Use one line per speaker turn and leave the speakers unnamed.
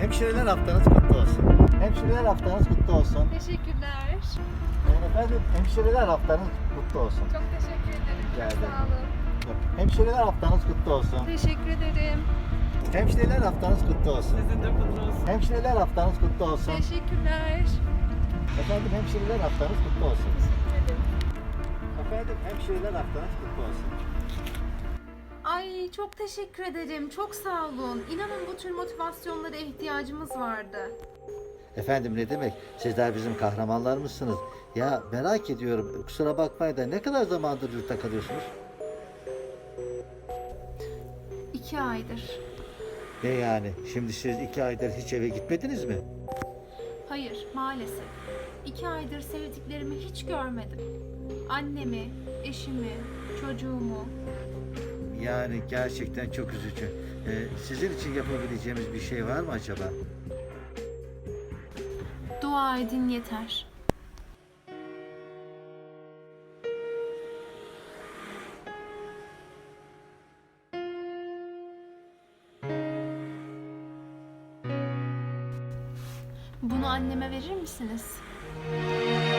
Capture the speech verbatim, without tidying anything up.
Hemşireler haftanız kutlu olsun. Hemşireler haftanız kutlu olsun.
Teşekkürler.
Efendim hemşireler haftanız kutlu olsun.
Çok teşekkür ederim. Çok
Geldim.
sağ olun.
Hemşireler haftanız kutlu olsun.
Teşekkür ederim.
Hemşireler haftanız kutlu olsun.
Sizin de kutlu olsun.
Hemşireler haftanız kutlu olsun.
Teşekkürler.
Efendim hemşireler haftanız kutlu olsun.
Teşekkür ederim.
Efendim hemşireler haftanız kutlu olsun.
Ay çok teşekkür ederim. Çok sağ olun. İnanın bu tür motivasyonlara ihtiyacımız vardı.
Efendim ne demek? Sizler bizim kahramanlarımızsınız. Ya merak ediyorum. Kusura bakmayın da ne kadar zamandır yurtta kalıyorsunuz?
İki aydır.
Ne yani? Şimdi siz iki aydır hiç eve gitmediniz mi?
Hayır, maalesef. İki aydır sevdiklerimi hiç görmedim. Annemi, eşimi, çocuğumu.
Yani gerçekten çok üzücü. Ee, sizin için yapabileceğimiz bir şey var mı acaba?
Dua edin yeter. Bunu anneme verir misiniz?